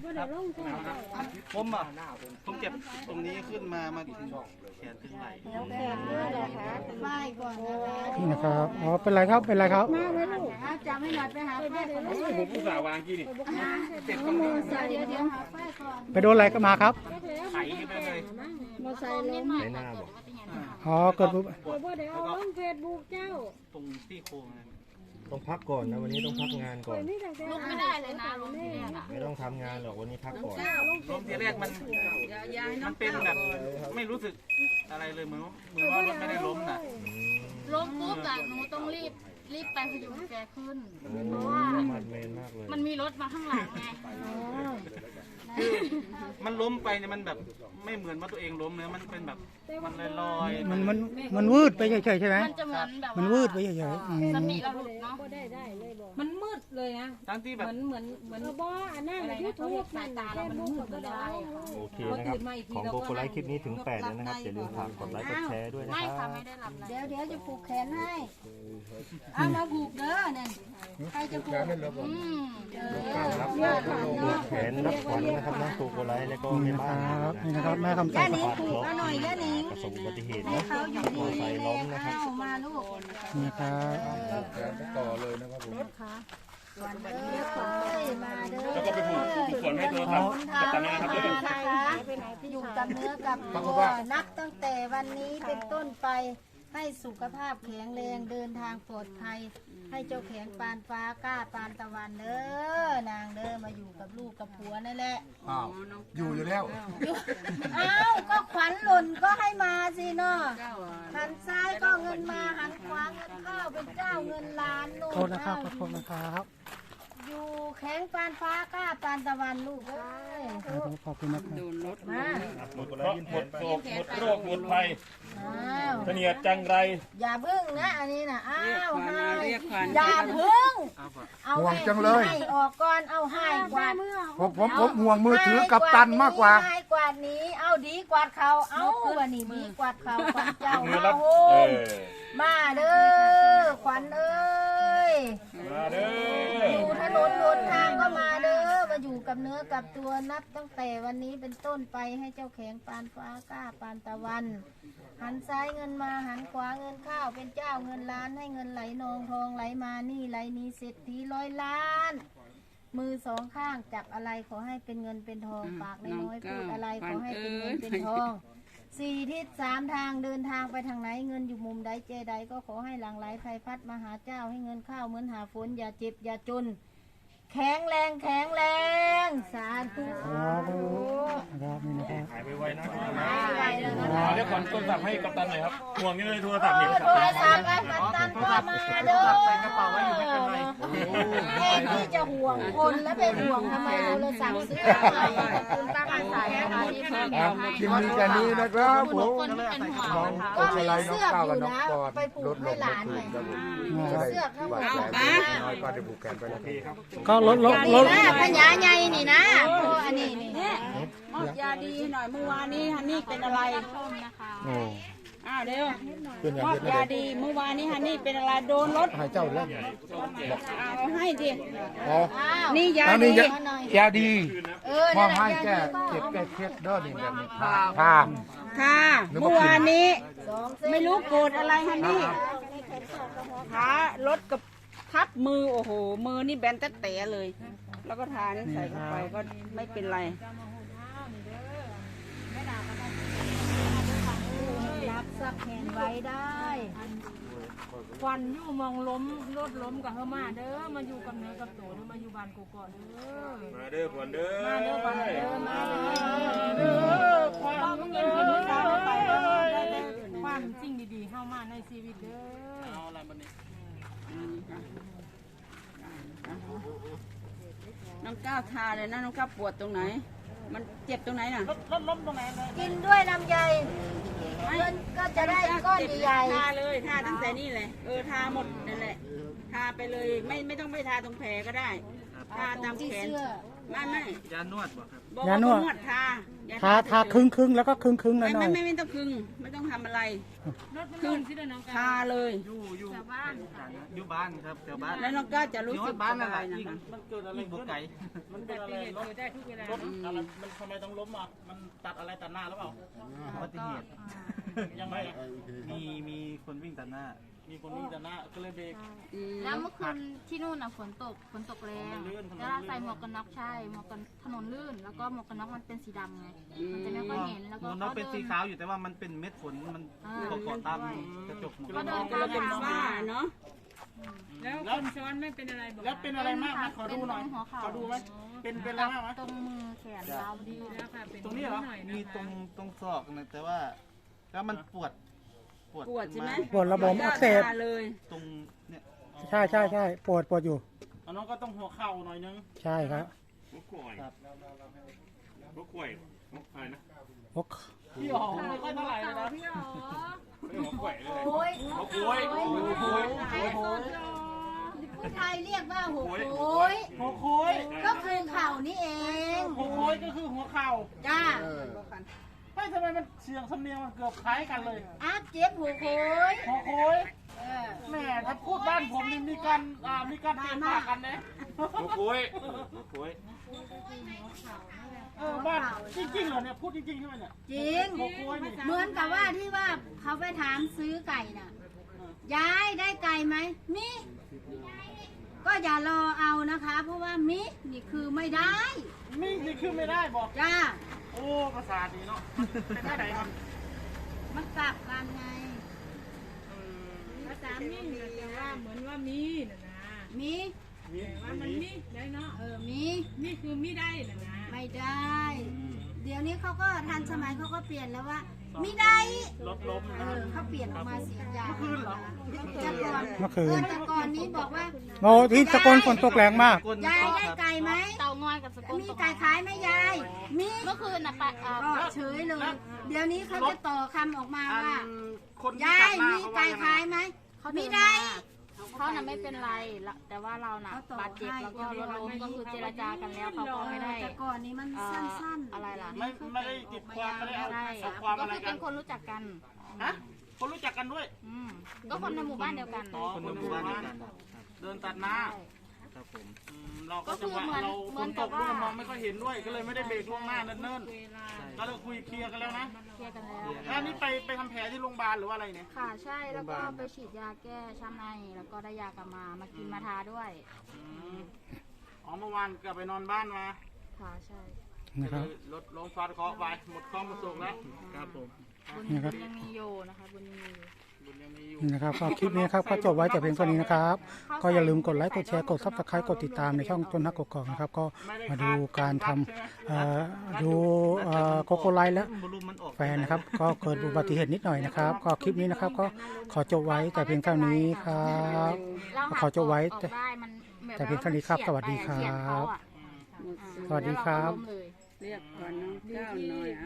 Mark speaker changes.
Speaker 1: ผมอ่ะผมเจ็บตรงนี้ขึ้นมาแขนถึงไหล่
Speaker 2: แล้วแขนด้วยเหรอคะไหว้ก่อนนะคะ
Speaker 3: นี่นะครับอ๋อเป็นไรครับเป็นไรครับ
Speaker 2: จำให้หน่อยไปหาป้ายก่อนนะ
Speaker 4: ผมผู้สาววางกี่นี่
Speaker 1: เจ็บตรงนี้
Speaker 2: เดี๋ยวหาป้ายก่อน
Speaker 3: ไปโดนอะไรก็มาครับ
Speaker 1: ไถไปเลย
Speaker 2: มอไซค์ล้ม
Speaker 4: ในหน้าบอก
Speaker 3: อ๋อเกิดปุ๊บ
Speaker 1: แล้วก็ตรงซี่โครงนั่น
Speaker 4: ต้องพักก่อนนะวันนี้ต้องพักงานก่อน
Speaker 5: ลุกไม่ได้เลยนะลุกไม่ได้
Speaker 4: ไม่ต้องทำงานหรอกวันนี้พักก่อน
Speaker 1: ล้มทีแรกมันเป็นแบบไม่รู้สึกอะไรเลยเหมือนว่ารถไม่ได้ล้มน่ะ
Speaker 5: ล้มปุ๊บอะหนูต้องรีบไปพยุงแกขึ้นเพราะว่า
Speaker 4: มันเมนมากเลย
Speaker 5: มันมีรถมาข้างหลังไง
Speaker 1: คือมันล้มไปเนี่ยมันแบบไม่เหมือนว่าตัวเองล้มเนื้อมันเป็นแบบมันลอยๆ
Speaker 3: มันวืดไปเฉยๆใช่ไหม
Speaker 5: มันจะเหมือนแบบ
Speaker 3: มันวืดไปเฉยๆ
Speaker 5: สติเราหลุดเนาะ
Speaker 6: มันมืดเลยนะ
Speaker 1: ทั้งที่แบบ
Speaker 6: เหมือนบ่อันนั้นยูทูบสายตาเรามันมืดก็ได้
Speaker 4: โอเคนะครับของโกโกไลท์คลิปนี้ถึง8แล้วนะครับอย่าลืมฝากกดไลค์กดแชร์ด้วยนะ
Speaker 5: ไม่
Speaker 4: ครั
Speaker 5: ค่ะ
Speaker 4: บ
Speaker 5: ไม่ได้หลับเลย
Speaker 2: เดี๋ยวจะผูกแขนให้เอามาผูกเด้อเนี่ยใครจะผูก
Speaker 5: อืม
Speaker 4: รับผูกแขนรับขวัญนะครับน้องโกโกไลท์แล้วก็แม่บ้าน
Speaker 3: ครับนี่นะครับแม่คำใส
Speaker 2: ย่านิงผูกเอาหน่อยย่านิง
Speaker 4: ประสบอุบัติเหตุ
Speaker 2: ให้
Speaker 4: นะ
Speaker 2: เขาอยู่ดี
Speaker 4: มอไซค์ล้มนะครับ
Speaker 2: เอามาลูก
Speaker 3: นี่ครับ
Speaker 2: วันเด้อมาเด้อ
Speaker 4: แล้วก็ไปผูกขนให้โทรศัพท์กับตานะครับ
Speaker 2: อยู่กับเนื้อกับตัวนับตั้งแต่วันนี้เป็นต้นไปให้สุขภาพแข็งแรงเดินทางปลอดภัยให้เจ้าแข็งปานฟ้ากล้าปานตะวันเด้อนางเด้อมาอยู่กับลูกกับผัวนั่นแหละ
Speaker 7: อยู่แล้ว
Speaker 2: เอ้าก็ขวัญหล่นก็ให้มาสิเนาะหันซ้ายก็เงินมาหันขวาเงินเข้าเป็นเจ้าเงินล้านนู่น
Speaker 3: โทษนะครับขอโทษนะครับ
Speaker 2: อยู่แข็งปานฟ้ากล้าปานตะวันลูกเอ้ย
Speaker 3: ขอบคุณนะครับ
Speaker 2: มา
Speaker 4: หมดโศกหมดโรคหมดภัย
Speaker 2: อ้าว
Speaker 4: เสนียดจังไร
Speaker 2: อย่าพึ่งนะอันนี้นะอ้าวให้อย่าพึ่งเอา
Speaker 7: ห่วงจังเลย
Speaker 2: ให้ออกก่อนเอาให้กวาด
Speaker 7: ผมห่วงมือถือกับตันมากกว่า
Speaker 2: ให้กวาดนี้เอาดีกวาดเขาเอาวันนี้ดีกวาดเขาขวัญเจ้า
Speaker 4: มือ
Speaker 2: มา
Speaker 4: รับ
Speaker 2: โฮ
Speaker 4: เอ
Speaker 2: ม
Speaker 4: อ
Speaker 2: มาเด้อขวัญเอ้ย
Speaker 4: มาเด้
Speaker 2: อ
Speaker 4: อยู่
Speaker 2: ถนนหนทางก็มาเด้อมาอยู่กับเนื้อกับตัวนับตั้งแต่วันนี้เป็นต้นไปให้เจ้าแข็งปานฟ้ากล้าปานตะวัน หันซ้ายเงินมาหันขวาเงินเข้าเป็นเจ้าเงินล้านให้เงินไหลนองทองไหลมานี่ไหลนี้เศรษฐีร้อยล้าน มือสองข้างจับอะไรขอให้เป็นเงินเป็นทองปากน้อยๆพูดอะไรขอให้เป็นเงินเป็นทองสี่ทิศสามทางเดินทางไปทางไหนเงินอยู่มุมใดเจใดก็ขอให้หลั่งไหลไฟพัดมาหาเจ้าให้เงินเข้าเหมือนหาฝนอย่าเจ็บอย่าจน แข็งแรงแข็งแรงสาธุ
Speaker 3: ครับนี่นะครับ
Speaker 4: หายไปไวนะ
Speaker 2: ไปเลยนะ
Speaker 4: เรียกขวัญโทรศัพท์ให้กัปตันหน่อยครับห่วงนี่เลยโทรศัพท์นี่
Speaker 2: โทรศัพท์ไอ้กัปตันก็มาเด้อ
Speaker 1: ใส่กระเป๋าไว้อยู่ไม่เป็นไร
Speaker 2: แค่ที่จะห่วงคนแล้วไปห่วงทำไมโทรศัพท์ซื้ออะไรขอบคุณป้าอาสายนะคะที่เพิ่ม
Speaker 7: คลิปนี้แค่นี้นะครับผม
Speaker 5: คนที่เป็นห่วง
Speaker 7: น้อง
Speaker 2: ก็
Speaker 7: โก
Speaker 2: มี
Speaker 7: ไลน้อง
Speaker 2: เสื้อ
Speaker 7: ก้าว
Speaker 2: อ
Speaker 7: กับ
Speaker 2: ยู่
Speaker 7: น้อง
Speaker 2: นะ
Speaker 7: ปอน
Speaker 2: ไปผู
Speaker 7: ล
Speaker 2: ก
Speaker 7: ดล
Speaker 2: ให้
Speaker 7: ง
Speaker 2: ห
Speaker 7: ไม่
Speaker 2: ลาน
Speaker 7: ถึ
Speaker 2: ไง
Speaker 7: งครับผมจะได้
Speaker 2: เสื้อข้างบน
Speaker 7: น้อยก็ได้ผูกแขนไปแล้วครับ
Speaker 3: ก็ลด
Speaker 2: นี่นะพญาใหญ่นี่นะอันนี้นี่
Speaker 6: มอบยาดีหน่อยเมื่อวานนี้ฮันนี่เป็นอะไร
Speaker 7: โอ้
Speaker 6: เร็ว
Speaker 7: เป็นอย่าง
Speaker 6: มอบ
Speaker 7: นี้
Speaker 6: ยาดีเมื่อวานนี้ฮันนี่เป็นอะไรโดนรถ
Speaker 7: ให้เจ้าเล่น
Speaker 6: เอาให้ดิ
Speaker 7: อ๋อ
Speaker 2: อ้าว
Speaker 6: นี่ยา
Speaker 7: อัน
Speaker 6: ดี
Speaker 7: นี้ยาดี
Speaker 2: เออ
Speaker 7: มอ
Speaker 2: นั่
Speaker 7: บ
Speaker 2: นแหละ
Speaker 7: ให้แก้
Speaker 2: ยาดี
Speaker 7: เจ็บ
Speaker 2: ก็
Speaker 7: แก้เครียดเด้อนี่แบบนี้ทา
Speaker 6: ค่ะเมื่อวานนี้
Speaker 2: สองเส้น
Speaker 6: ไม่รู้โกรธอะไรฮันนี่ขารถกับทับมือโอ้โหมือนี่แบนแต๊ะเลย แล้วก็ทานี่ใส่เข้าไปก็ไม่เป็นไร
Speaker 2: รับสักแขนไว้ได้
Speaker 6: ควันอยู่มองล้มรถล้มกับเฮามาเด้อมาอยู่กับเนื้อกับตัวเด้อมาอยู่บ้านกูก่อนเด้อ
Speaker 4: มาเด้อขวัญเด้อ
Speaker 6: มาเด้อบ้านเด้อมาเด้อ
Speaker 2: ต้อง
Speaker 6: ต้อง
Speaker 2: เงิ
Speaker 6: เงิ
Speaker 2: น
Speaker 6: น
Speaker 2: กิ
Speaker 6: กิ
Speaker 2: น
Speaker 6: น
Speaker 2: มื้
Speaker 6: มื้
Speaker 2: อ
Speaker 6: อ
Speaker 2: เช้า
Speaker 6: เช้า
Speaker 2: ไป
Speaker 6: ไป
Speaker 2: เล
Speaker 6: เลย ยความจริงดีๆเข้ามาในชีวิตเด้อ
Speaker 1: เอาอะไรบันนี้
Speaker 6: น้องก้าวทาเลยนะน้องก้าวปวดตรงไหน มันเจ็บตรงไหนน่ะ
Speaker 1: รถล้มตรงไหนเลย
Speaker 2: กินด้วยลำไยเงินก็จะได้ก้อนใหญ่
Speaker 6: ทาเลยทาตั้งแต่นี่เลยทาหมดนั่นแหละทาไปเลยไม่ต้องไปทาตรงแผลก็ได้ทาตาม
Speaker 2: ที่
Speaker 6: แขน
Speaker 2: เสื้อ
Speaker 6: ไม่
Speaker 1: ยานวดบ่ครับ
Speaker 6: บอก
Speaker 3: ยานวด
Speaker 6: ทา
Speaker 3: ทาครึ่งครึ่งแล้วก็ครึ่งครึ่งหน่
Speaker 6: ไม่
Speaker 3: อย
Speaker 6: ไม่ต้องคึงไม่ต้องทำอะไรทาเลย
Speaker 1: อยู่บ้านครับแถวบ้าน
Speaker 6: แล้วน้องก้าจะรู้สึก
Speaker 1: บ้าน
Speaker 6: ส
Speaker 1: นั่นแห
Speaker 6: บา
Speaker 1: ละ
Speaker 6: ยนะ
Speaker 1: ยิ่ง
Speaker 6: คะ
Speaker 1: มันเกิดอะไรบุกไก่มันเป็นอะไรล้มได้ทุกเวลาล้มอะไรมันทำไมต้องล้มอ่ะมันตัดอะไรตัดหน้าหรือเปล่าอุบัติเหตุยังไงมีคนวิ่งตัดหน้า มีคนวิ่งตัดหน้าก็เลยเบรก
Speaker 5: แล้วเมื่อคืนที่นู่นน่ะฝนตกแรงแล้วเราใส่หมวกกันน็อกใช่หมวกกันถนนลื่น แล้วก็หมวกกันน็อกมันเป็นสีดำไงมันจะไม่ค่อยเห็นแล้ว
Speaker 1: ห
Speaker 5: ก็
Speaker 1: มวกน็อกเป็นสีขาวอยู่แต่ว่ามันเป็นเม็ดฝนมันเกาะตามกระจกหมวก
Speaker 5: ก็
Speaker 1: น็อก
Speaker 5: เดิน
Speaker 6: เราเป็นบ้าเนาะ
Speaker 8: แล้วคนซ้อนไม่เป็นอะไรบอก
Speaker 1: แล้วเป็นอะไรมากนะขอดูหน่อย
Speaker 5: หัวเข่า
Speaker 1: ขอดูไหมเป็นอะไรมากไหม
Speaker 5: ตรงมือแขนเราดี
Speaker 8: แล้วค่ะเป็น
Speaker 1: ตรงนี้เหรอ
Speaker 8: หน่อย
Speaker 1: มี
Speaker 8: นะคะ
Speaker 1: ตรงศอกนะแต่ว่าแล้วมันปวด
Speaker 6: ปวดใช่ไหม
Speaker 3: ปวดระบบอักเสบ
Speaker 6: ทาเลย
Speaker 1: ตรงเนี่ย
Speaker 3: ใช่ปวดอยู่
Speaker 1: อันนั้นก็ต้องหัวเข่าหน่อยนึง
Speaker 3: ใช่ครับ
Speaker 1: หัวข่อย
Speaker 3: โอ้
Speaker 1: พี่อ๋อไม่ค่อยเท่าไหร่เลยนะ
Speaker 8: พี่อ๋อ
Speaker 2: โอ้ย
Speaker 1: โอ้ยโอ้ยโอ้ยโอ้ย
Speaker 2: ผู้ไทยเรียกว่าหัวโอย
Speaker 1: หัวโค้ย
Speaker 2: ก็คือเข่านี่เอง
Speaker 1: หัวโค้ยก็คือหัวเข่า
Speaker 2: จ้า
Speaker 1: ไม่ทำไมมันเสียงสำเนียงมันเกือบคล้ายกันเลย
Speaker 2: อาเจ็บหัวโอย
Speaker 1: หัวโค้ยแหม่ถ้าพูดบ้านผมนี่มีการเตะปากกันนะหัวโค้ยหัวโค้ยบ้านจริงๆเหรอเนี่ยพูดจริงๆใช่ไหมเนี่ย
Speaker 2: จริง
Speaker 1: หัวโค้ยนี่
Speaker 2: เหมือนกับว่าที่ว่าเขาไปถามซื้อไก่น่ะ ยายได้ไก่ไหมมิ ก็อย่ารอเอานะคะ เพราะว่ามินี่คือไม่ได้
Speaker 1: มีนี่คือไม่ได้บอก
Speaker 2: จ้า
Speaker 1: โอ้ภาษาดีเนาะเป็นอะไรครับ
Speaker 2: มันกลับกันไง
Speaker 8: ภาษามิ่งเนี่ยแต่ว่าเหมือนว่ามีนะนะ
Speaker 2: มิ
Speaker 8: แต่ว่ามันมีได้เนาะ
Speaker 2: มิ
Speaker 8: นี่คือมีได้นะนะ
Speaker 2: ไม่ได้ เดี๋ยวนี้เขาก็ทันสมัยเขาก็เปลี่ยนแล้วว่ามิได้
Speaker 1: รถล้ม
Speaker 2: เขาเปลี่ยนออกมาเสียงยาวแต่ก่อน
Speaker 3: เมื่อคืน
Speaker 2: แต่ก่อนนี้บอกว่า
Speaker 3: โอ้ที่สกลฝนตกแรงมาก
Speaker 2: ยายได้ไก่ไหม
Speaker 5: เตางอยกับสกุล
Speaker 2: มีไก่ขายไหมยายมี
Speaker 5: เมื่อคืนน่ะ
Speaker 2: ก็เฉยเลย เดี๋ยวนี้เขาจะต่อคำออกมาว่า
Speaker 1: คนที่
Speaker 2: ยา
Speaker 1: ตั
Speaker 2: ย
Speaker 1: ดหน้า
Speaker 2: มี
Speaker 1: เขา
Speaker 2: ไก่
Speaker 1: ว่า
Speaker 2: ขายไหม
Speaker 5: เขา
Speaker 2: มี
Speaker 5: เดิน
Speaker 2: ได้
Speaker 5: มาเขาน่ะไม่เป็นไรแต่ว่าเราน่ะบาดเจ็บแล้วก็รถล้มก็คือเจรจากันแล้วเขาก็ไม่ได้
Speaker 2: แต่ก่อนนี้มันสั้นๆ
Speaker 5: อะไรล่ะ
Speaker 1: ไม่ได้ติดความไม่ได้เอา
Speaker 5: ใช่
Speaker 1: เอาความ
Speaker 5: ก็
Speaker 1: อะไร
Speaker 5: คือ
Speaker 1: กั
Speaker 5: เป็น นคนรู้จักกัน
Speaker 1: ฮะคนรู้จักกันด้วย
Speaker 5: ก็คนในหมู่บ้านเดียวกัน
Speaker 1: คนในหมู่บ้านเดียวกันเดินตัดหน้า
Speaker 5: ใช่
Speaker 1: ครับผมเราก็จังหวะเราฝนตกด้วยมองไม่ค่อยเห็นด้วย ก็เลยไม่ได้เบรกล่วงหน้าเนิ่นๆก็เลยคุยเคลียร์กันแล้วนะ
Speaker 5: เคลียร์กันแล้ว
Speaker 1: แล้วนี่ไปทำแผลที่โรงพยาบาลหรือว่าอะไรเนี่ย
Speaker 5: ค่ะใช่แล้วก็ไปฉีดยาแก้ช้ำในแล้วก็ได้ยากลับมากินมาทาด้วย
Speaker 1: อ๋อเมื่อวานกลับไปนอนบ้านมา
Speaker 5: ค่ะใช่
Speaker 3: นะครับ
Speaker 1: รถลงฟาดเคราะห์ไปหมดข้อมาส่งแล้วครับผม
Speaker 5: บุญ
Speaker 3: นี่ครับ
Speaker 5: ยังมีอยู่นะคะบุญยังมีอยู่
Speaker 1: บุญยังมีอยู่
Speaker 3: นี่นะครับก็คลิปนี้นะครับก็จบไว้แต่เพียงเท่านี้นะครับ ก็อย่าลืมกดไลค์กดแชร์กดซับสไครต์กดติดตามในช่องต้นนักกกอกนะครับก็มาดูการทำดูโกโกไลท์และ
Speaker 1: บอลลูนมันออก
Speaker 3: แฟนนะครับ ก็เกิดอุบัติเหตุนิดหน่อยนะครับ ก็คลิปนี้นะครับก็ขอจบไว้แต่เพียงเท่านี้ครับ
Speaker 5: เรา
Speaker 3: ขอจบไว้
Speaker 5: ออกได้มันบบ
Speaker 3: แต่เพียงเท่านี้ครับสวัสดีครับ
Speaker 5: เฉียดเขาอะ
Speaker 3: สวัสดีครับ
Speaker 5: แล้วเาก็ล้มเลย
Speaker 6: เรียกก่อนน้องก้าวหน่อย